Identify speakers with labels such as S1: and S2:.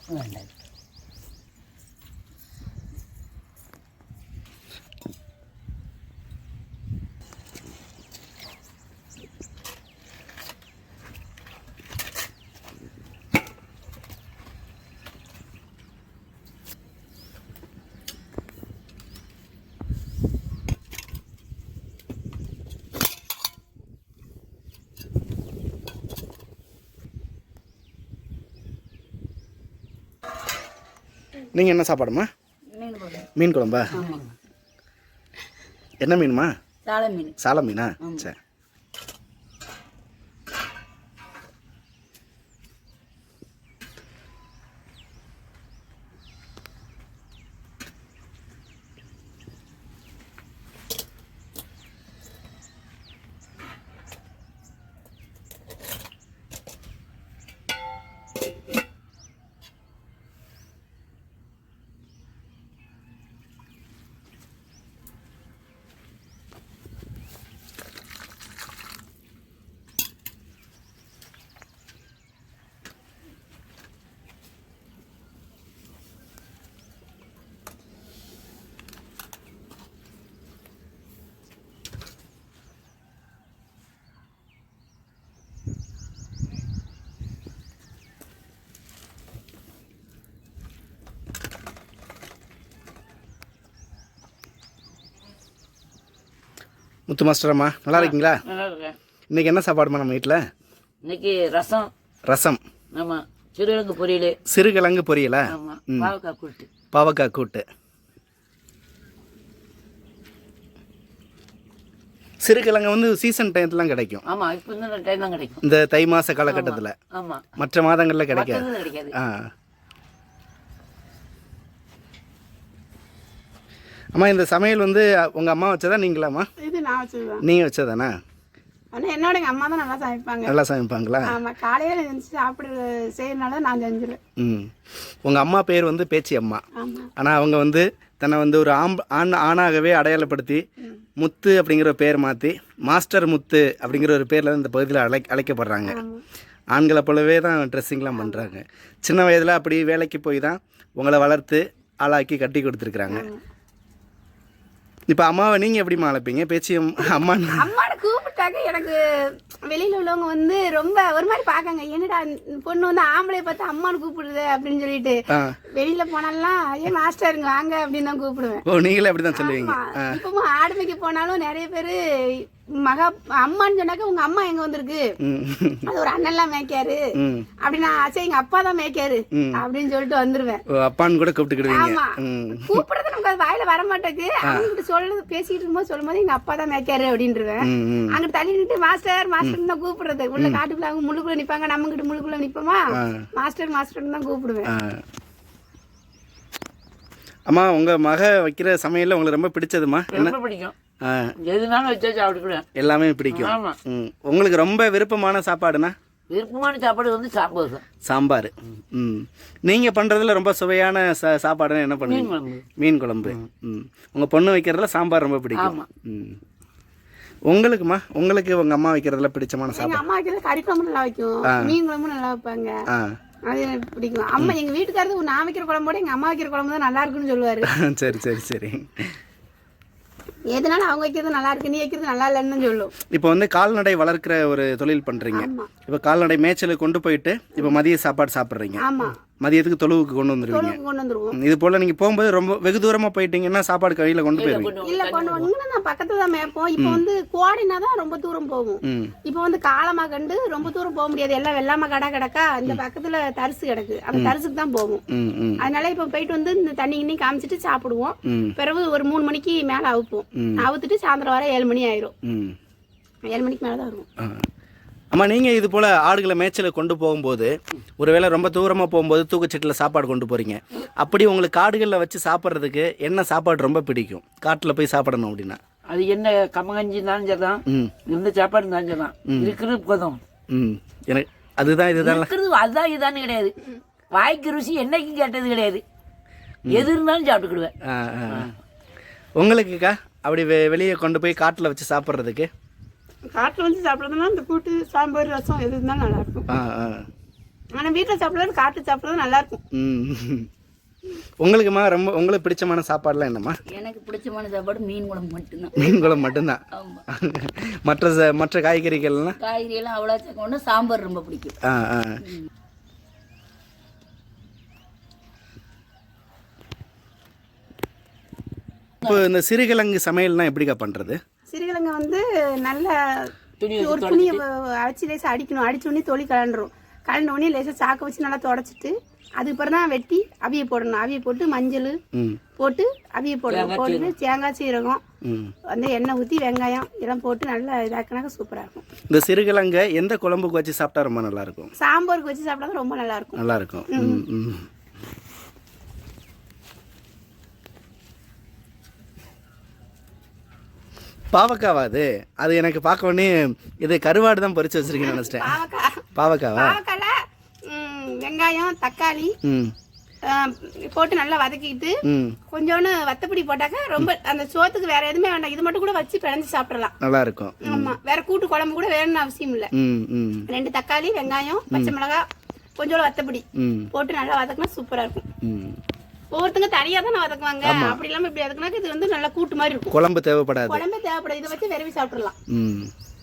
S1: வேண்டாம்.
S2: நீங்கள் என்ன சாப்பாடுமா? மீன் குழம்பா? என்ன மீனுமா?
S1: சாலை மீன்.
S2: சாலை மீனா? சரி. முத்து மாஸ்டரம்மா நல்லா இருக்கீங்களா?
S1: நல்லா இருக்கேன்.
S2: இன்றைக்கி என்ன சாப்பாடுமா நம்ம வீட்டில்?
S1: இன்னைக்கு ரசம்.
S2: ரசம்.
S1: ஆமாம். சிறுகிழங்கு பொரியல்.
S2: சிறுகிழங்கு பொரியலா?
S1: ஆமாம். பாவக்காய் கூட்டு.
S2: பாவக்காய் கூட்டு. சிறுகிழங்கு வந்து சீசன் டைத்துலாம் கிடைக்கும்.
S1: ஆமாம், இப்போ இந்த டைம் தான் கிடைக்கும்.
S2: இந்த தை மாத காலகட்டத்தில்.
S1: ஆமாம்.
S2: மற்ற மாதங்களில் கிடைக்காது.
S1: கிடைக்காது.
S2: அம்மா இந்த சமையல் வந்து உங்கள் அம்மா வச்சதா நீங்களாம்மா?
S3: இது நான் வச்சதுதான்.
S2: நீங்கள் வச்சதானா?
S3: ஆனால் என்னோட எங்கள் அம்மா தான் நல்லா சமைப்பாங்க.
S2: நல்லா சமைப்பாங்களா?
S3: ஆமாம், காலையில் செஞ்சு சாப்பிட செய்யறதுனால நான் செஞ்சிருவேன்.
S2: உங்கள் அம்மா பேர் வந்து பேச்சி அம்மா.
S3: ஆமாம்.
S2: ஆனால் அவங்க வந்து தன்னை வந்து ஒரு ஆணாகவே அடையாளப்படுத்தி முத்து அப்படிங்கிற பேர் மாற்றி மாஸ்டர் முத்து அப்படிங்கிற ஒரு பேரில் இந்த பகுதியில் அழைக்கப்படுறாங்க. ஆண்களை போலவே தான் ட்ரெஸ்ஸிங்லாம் பண்ணுறாங்க. சின்ன வயதில் அப்படி வேலைக்கு போய் தான் உங்களை வளர்த்து ஆளாக்கி கட்டி கொடுத்துருக்குறாங்க. இப்போ அம்மாவை நீங்கள் எப்படிமா அழைப்பீங்க? பேச்சு அம்மா
S3: அம்மாவை கூப்பிட்டாக்க எனக்கு வெளியில் உள்ளவங்க வந்து ரொம்ப ஒரு மாதிரி பார்க்காங்க. என்னடா பொண்ணு வந்து ஆம்பளை பார்த்து அம்மானு கூப்பிடுது அப்படின்னு சொல்லிட்டு வெளியில் போனாலாம் ஏன் மாஸ்டருங்க வாங்க அப்படின்னு தான் கூப்பிடுவேன்.
S2: ஓ, நீங்களே அப்படி தான் சொல்லுவீங்க.
S3: இப்பவும் ஆடுமைக்கு போனாலும் நிறைய பேர் மகா அம்மான்னு சொன்னாக்க உங்க அம்மா எங்க வந்திருக்கு, அது ஒரு அண்ணன்லாம் மேய்க்காரு அப்படின்னா சரி எங்க அப்பா தான் மேய்க்காரு அப்படின்னு சொல்லிட்டு வந்துருவேன்.
S2: அப்பான்னு கூட கூப்பிட்டுக்கிடுவீங்க.
S3: ஆமா, கூப்பிடுறது நமக்கு அது வாயில வர மாட்டேங்குது. அவங்க சொல்றது பேசிட்டு இருக்கும்போது சொல்லும் போது எங்க அப்பா தான் மேய்க்காரு அப்படின்ட்டுருவேன். அங்கிட்டு தள்ளி நின்று மாஸ்டர் மாஸ்டர் தான் கூப்பிடுறது. உள்ள காட்டுக்குள்ள அவங்க முழுக்குள்ள நிப்பாங்க, நம்ம கிட்ட முழுக்குள்ள நிப்போமா, மாஸ்டர் மாஸ்டர் தான் கூப்பிடுவேன்.
S2: அம்மா உங்க மக வைக்கிற சமையல்ல உங்களுக்கு ரொம்ப பிடிச்சதுமா?
S1: என்ன பிடிக்கும்? எதுனாலும் வச்சு சாப்பிட்டுக்குவேன்.
S2: எல்லாமே பிடிக்கும். உங்களுக்கு ரொம்ப விருப்பமான சாப்பாடுனா?
S1: விருப்பமான சாப்பாடு வந்து சாம்பார் தான்.
S2: சாம்பார். நீங்கள் பண்ணுறதுல ரொம்ப சுவையான சாப்பாடுனா என்ன பண்ணுவீங்க? மீன் குழம்பு. உங்கள் பொண்ணு வைக்கிறதுல சாம்பார் ரொம்ப பிடிக்கும். உங்களுக்குமா? உங்களுக்கு உங்கள் அம்மா வைக்கிறதுல பிடிச்சமான சாப்பாடு?
S3: அம்மா வைக்கிறது கறி குழம்பு நல்லா வைக்கும், மீன் குழம்பு நல்லா வைப்பாங்க. அது எனக்கு பிடிக்கும். அம்மா எங்க வீட்டுக்காரது நான் வைக்கிற குழம்போட எங்க அம்மா வைக்கிற குழம்பு தான் நல்லா இருக்குன்னு சொல்லுவாரு.
S2: சரி சரி சரி.
S3: எதனால அவங்க வைக்கிறது நல்லா இருக்கு, நீ வைக்கிறது நல்லா இல்லைன்னு சொல்லும்.
S2: இப்போ வந்து கால்நடை வளர்க்குற ஒரு தொழில் பண்ணுறீங்க. இப்போ கால்நடை மேய்ச்சலுக்கு கொண்டு போயிட்டு இப்போ மதிய சாப்பாடு சாப்பிட்றீங்க.
S3: ஆமாம்,
S2: மதியத்துக்கு தொழுவுக்கு கொண்டு வந்துருவீங்க. இது போல் நீங்கள் போகும்போது ரொம்ப வெகு தூரமாக போயிட்டீங்கன்னா சாப்பாடு கையில் கொண்டு போயிருவீங்க?
S3: இல்லை, கொண்டு வந்து நான் பக்கத்தில் தான் மேய்ப்போம். இப்போ வந்து கோடைனா தான் ரொம்ப தூரம் போகும். இப்போ வந்து காலமாக கண்டு ரொம்ப தூரம் போக முடியாது. எல்லாம் வெள்ளாம கடை கிடக்கா, இந்த பக்கத்தில் தரிசு கிடக்கு, அந்த தரிசுக்கு தான் போகும். அதனால இப்போ போயிட்டு வந்து இந்த தண்ணி கிண்ணி காமிச்சிட்டு சாப்பிடுவோம். பிறகு ஒரு 3 மணிக்கு மேலே அவுப்போம். அவுத்துட்டு சாயந்தரம் வர 7 மணி ஆயிரும். 7 மணிக்கு மேலே தான் வருவோம்.
S2: அம்மா, நீங்கள் இது போல் ஆடுகளை மேய்ச்சலை கொண்டு போகும்போது ஒருவேளை ரொம்ப தூரமாக போகும்போது தூக்கச்சீட்டில் சாப்பாடு கொண்டு போகிறீங்க. அப்படி உங்களுக்கு காடுகளில் வச்சு சாப்பிட்றதுக்கு என்ன சாப்பாடு ரொம்ப பிடிக்கும்? காட்டில் போய் சாப்பிடணும் அப்படின்னா
S1: அது என்ன கம்மங்கஞ்சி இருந்தாலும் சரிதான், இந்த சாப்பாடு இருந்தாலும் சரிதான், இருக்கிறது போதும்.
S2: எனக்கு அதுதான் இதுதான்
S1: இருக்கிறது அதுதான் இதுதான் கிடையாது. வாய்க்கு ருசி என்னைக்கும் கேட்டது கிடையாது. எது இருந்தாலும் சாப்பிட்டுக்கிடுவேன்.
S2: உங்களுக்குக்கா அப்படி வெளியே கொண்டு போய் காட்டில் வச்சு சாப்பிட்றதுக்கு?
S3: காட்டில் வந்து சாப்பிட்றதுனா இந்த கூட்டு சாம்பார் ரசம் எது இருந்தாலும் நல்லா இருக்கும். ஆனா வீட்டுல சாப்பிடுறது காட்டு சாப்பிடுறது நல்லா இருக்கும்.
S2: ம். உங்களுக்குமா ரொம்ப உங்களுக்கு பிடிச்சமான சாப்பாடுலாம் என்னம்மா?
S1: எனக்கு பிடிச்சமான சாப்பாடு மீன் குழம்பு மட்டும்தான்.
S2: மீன் குழம்பு மட்டும்தான்.
S1: ஆமா.
S2: மற்ற காய்கறிகள்லாம்
S1: காய்கறி எல்லாம் அவ்வளோ சேர்க்கணும். சாம்பார் ரொம்ப பிடிக்கும்.
S2: ஆ ஆ. இப்போ இந்த சிறுகிழங்கு சமையல்னா எப்படிக்கா பண்றது?
S3: சிறுகிழங்கு வந்து நல்ல
S1: துணி
S3: ஒரு துணியை அடிச்சு லேசாக அடிக்கணும். அடிச்ச உடனே தொளி கலண்டுரும். கலண்ட உடனே லேசாக சாக்க வச்சு நல்லா தொடச்சிட்டு அதுக்கப்புறம் தான் வெட்டி அவிய போடணும். அவிய போட்டு மஞ்சள் போட்டு அவிய போடணும். போட்டுட்டு தேங்காய் சீரகம் வந்து எண்ணெய் ஊற்றி வெங்காயம் இதெல்லாம் போட்டு நல்லா இதாக்கினாக்க சூப்பராக இருக்கும்.
S2: இந்த சிறுகிழங்கை எந்த குழம்புக்கு வச்சு சாப்பிட்டா ரொம்ப நல்லா இருக்கும்?
S3: சாம்பாருக்கு வச்சு சாப்பிட்டா ரொம்ப நல்லா இருக்கும்.
S2: நல்லா இருக்கும். பாவக்காவா அது? அது எனக்கு பார்க்க உடனே இது கருவாடு தான் பறிச்சு வச்சிருக்கேன்னு நினைச்சிட்டேன். பாவக்காவா?
S3: பாவக்கால வெங்காயம் தக்காளி போட்டு நல்லா வதக்கிட்டு கொஞ்சோன்னு வத்தப்பொடி போட்டாக்க ரொம்ப அந்த சோத்துக்கு வேற எதுவுமே வேண்டாம். இது மட்டும் கூட வச்சு பிணைஞ்சு சாப்பிடலாம்.
S2: நல்லா இருக்கும்.
S3: ஆமா, வேற கூட்டு குழம்பு கூட வேணும்னு அவசியம் இல்ல. 2 தக்காளி வெங்காயம் பச்சை மிளகாய் கொஞ்சோட வத்தப்பொடி போட்டு நல்லா வதக்கினா சூப்பரா இருக்கும். ஒவ்வொருத்தங்க தனியா தானே வதக்குவாங்க. அப்படி இல்லாம இப்படி வதக்குனாக்க இது வந்து நல்லா கூட்டு மாதிரி இருக்கும்.
S2: குழம்பு தேவைப்படாது.
S3: குழம்பு தேவைப்படாது. இதை வச்சு விரவி சாப்பிடலாம்.